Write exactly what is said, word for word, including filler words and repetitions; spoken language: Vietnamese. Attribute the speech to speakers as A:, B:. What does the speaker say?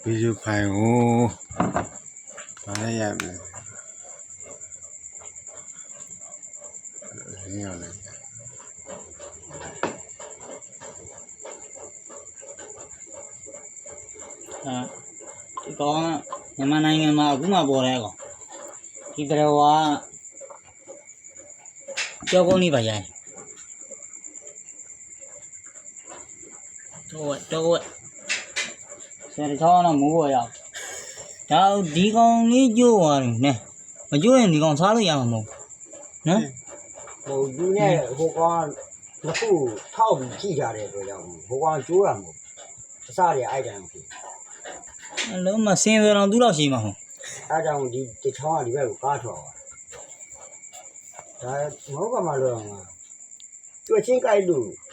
A: ví dụ phải ngủ phải em này nhiều này
B: à cái con nhà mà này mà cũng mà bò này còn cái cái đó cho con đi vào vậy thôi thôi xe thì cho nó mua rồi cháu đi con đi vô rồi nè mà chú em thì còn sao nữa vậy mà nè
C: một chú này hồ con nó phụ thao bị chi ra đấy rồi đâu hồ con chú làm một sao để ai làm thì
B: lỡ mà xe về nó đủ đâu xí mà không
C: ai làm đi cái thao đi về cá thao đấy mỗi cái mà luôn à tôi xin cái đủ